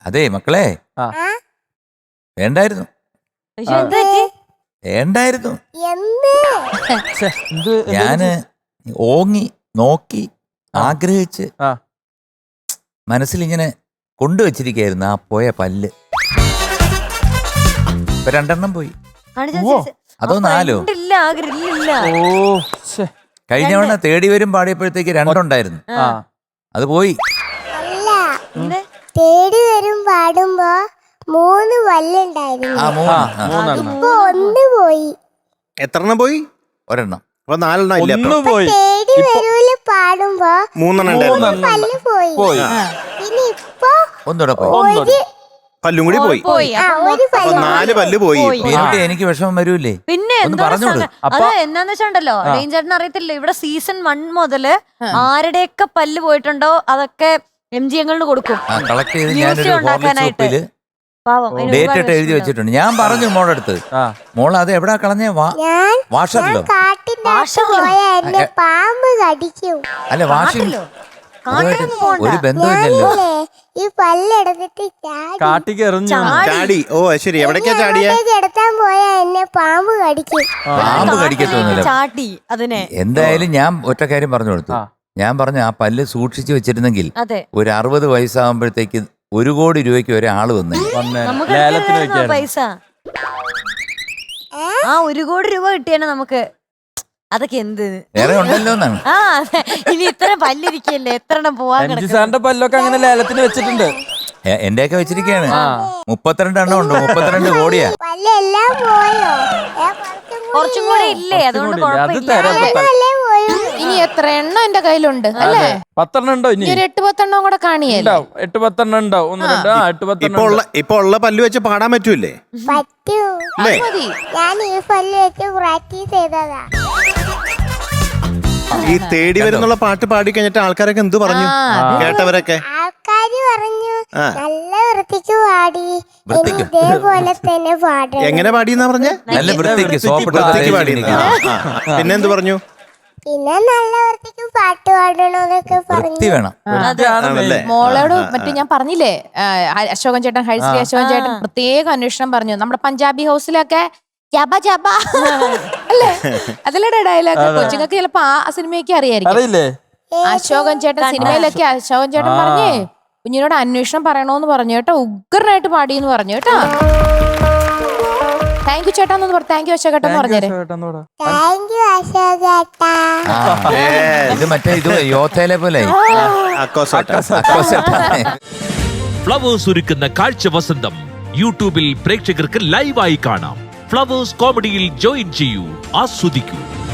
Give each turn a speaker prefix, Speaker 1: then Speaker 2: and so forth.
Speaker 1: അതെ മക്കളെ, വേണ്ടായിരുന്നു വേണ്ടായിരുന്നു. ഞാന് ഓങ്ങി നോക്കി ആഗ്രഹിച്ച് മനസ്സിലിങ്ങനെ കൊണ്ടുവച്ചിരിക്കായിരുന്നു ആ പോയ പല്ല്. ഇപ്പൊ 2 പോയി. അതോ 4? കഴിഞ്ഞ തവണ തേടി വരും പാടിയപ്പോഴത്തേക്ക് 2 ഉണ്ടായിരുന്നു. അത് പോയി.
Speaker 2: തേടി വരും പാടുമ്പോ 3 പല്ലുണ്ടായിരുന്നു. ഇപ്പൊ 1 പോയി.
Speaker 3: എത്ര പോയി?
Speaker 1: 1.
Speaker 3: അപ്പൊ 4 ഇല്ല.
Speaker 2: തേടി വരൂല് പാടുമ്പോ
Speaker 3: 3
Speaker 2: പല്ല് പോയി. പിന്നെ ഇപ്പൊ
Speaker 1: ഒന്നുകൂടെ പോയി.
Speaker 3: പല്ലും കൂടി പോയി. 4 പല്ല് പോയി.
Speaker 1: എനിക്ക് വിഷമം വരൂലേ?
Speaker 4: പിന്നെ അത് എന്നാന്ന് വെച്ചിട്ടുണ്ടല്ലോ, ചേട്ടൻ അറിയത്തില്ല, ഇവിടെ സീസൺ 1 മുതല് ആരുടെയൊക്കെ പല്ല് പോയിട്ടുണ്ടോ അതൊക്കെ MGM കൊടുക്കും
Speaker 1: കളക്ട് ചെയ്ത് ഞാനൊരു ഉണ്ടാക്കാനായിട്ട് ഡേറ്റ് ഇട്ട് എഴുതി വെച്ചിട്ടുണ്ട്. ഞാൻ പറഞ്ഞു മോളടുത്ത്, മോൾ അത് എവിടാ കളഞ്ഞേ? വാഷറിലോ?
Speaker 2: പാമ്പ് കടിക്കും.
Speaker 1: അല്ല വാഷിംഗ് ഒരു ബന്ധമില്ലല്ലോ.
Speaker 2: ഈ പല്ലെടുത്തിട്ട്
Speaker 3: ചാടി. ഓ ശരി, എവിടേക്കാ ചാടിയ?
Speaker 2: എടുത്താൻ പോയാ എന്നെ പാമ്പ് കടിക്കും.
Speaker 1: പാമ്പ് കടിക്കത്തൊന്നുമില്ല.
Speaker 4: ചാട്ടി അതിനെ.
Speaker 1: എന്തായാലും ഞാൻ ഒറ്റ കാര്യം പറഞ്ഞു കൊടുത്തു. ഞാൻ പറഞ്ഞു ആ പല്ല് സൂക്ഷിച്ചു വെച്ചിരുന്നെങ്കിൽ ഒരു 60 വയസ്സാകുമ്പോഴത്തേക്ക് 1 കോടി രൂപയ്ക്ക് ഒരാള് വന്നേ.
Speaker 4: പൈസ ആ 1 കോടി രൂപ കിട്ടിയാണ് നമുക്ക്. അതൊക്കെ എന്ത്
Speaker 1: വേറെ ഉണ്ടല്ലോ എന്നാണ്.
Speaker 4: ഇനി ഇത്ര പല്ലിരിക്കല്ലേ, എത്ര പോവാൻ
Speaker 5: പല്ലൊക്കെ അങ്ങനെ ലേലത്തിന് വെച്ചിട്ടുണ്ട്.
Speaker 1: എന്റെയൊക്കെ വെച്ചിരിക്കയാണ്. 32 എണ്ണം ഉണ്ട്. 32 കോടിയാ.
Speaker 2: പല്ലെല്ലാം പോയോ?
Speaker 4: കുറച്ചും കൂടെ ഇല്ലേ? അതുകൊണ്ട്
Speaker 6: ഇനി എത്ര എണ്ണം എന്റെ കയ്യിലുണ്ട് അല്ലേ?
Speaker 5: 10 എണ്ണം ഉണ്ടോ? ഇനി
Speaker 6: 8-10 എണ്ണം കൂടെ കാണിയല്ലോ.
Speaker 5: 8-10 എണ്ണം ഉണ്ടോ? 1-2
Speaker 3: ഇപ്പൊ ഉള്ള പല്ല് വെച്ച് പാടാൻ പറ്റൂലേ?
Speaker 2: പറ്റൂ. ഞാൻ ഈ പല്ല് വെച്ച് പ്രാക്ടീസ് ചെയ്തതാ.
Speaker 3: ഈ തേടി വരുന്നുള്ള പാട്ട് പാടി കഴിഞ്ഞിട്ട് ആൾക്കാരൊക്കെ എന്ത് പറഞ്ഞു? കേട്ടവരൊക്കെ
Speaker 2: ആൾക്കാര് പറഞ്ഞു നല്ല വൃത്തിക്ക് പാടി, ഇതേപോലെ തന്നെ പാടണം.
Speaker 3: എങ്ങനെ പാടിയെന്നാ പറഞ്ഞേ?
Speaker 1: നല്ല വൃത്തിക്ക്
Speaker 3: പാടി. പിന്നെന്ത് പറഞ്ഞു?
Speaker 2: പിന്നെ നല്ല വൃത്തിക്ക് പാട്ട് പാടണോന്നൊക്കെ പറഞ്ഞു.
Speaker 6: മോളോട് മറ്റേ ഞാൻ പറഞ്ഞില്ലേ, അശോകൻ ചേട്ടൻ, ഹരിശ്രീ അശോകൻ ചേട്ടൻ പ്രത്യേക അന്വേഷണം പറഞ്ഞു. നമ്മുടെ പഞ്ചാബി ഹൗസിലൊക്കെ ജബ ജബ അല്ലേ, അതിലൂടെ ഡയലോഗ് കൊച്ചുങ്ങൾക്ക് ചിലപ്പോ ആ സിനിമയൊക്കെ അറിയായിരിക്കും. അശോകൻ ചേട്ടൻ സിനിമയിലൊക്കെ അശോകൻ ചേട്ടൻ പറഞ്ഞേ കുഞ്ഞിനോട് അന്വേഷണം പറയണോന്ന് പറഞ്ഞു കേട്ടോ. ഉഗ്രനായിട്ട് പാടിയെന്ന് പറഞ്ഞു കേട്ടോ. താങ്ക് യു ചേട്ടാന്ന് പറഞ്ഞു. താങ്ക് യു അശോകേട്ടെന്ന് പറഞ്ഞേരെ.
Speaker 1: ഇത് മറ്റേ ഇത് യോധയിലെ പോലെ
Speaker 7: ഫ്ലവേഴ്സ് ഒരുക്കുന്ന കാഴ്ച വസന്തം യൂട്യൂബിൽ പ്രേക്ഷകർക്ക് ലൈവായി കാണാം. ഫ്ലവേഴ്സ് കോമഡിയിൽ ജോയിൻ ചെയ്യൂ, ആസ്വദിക്കൂ.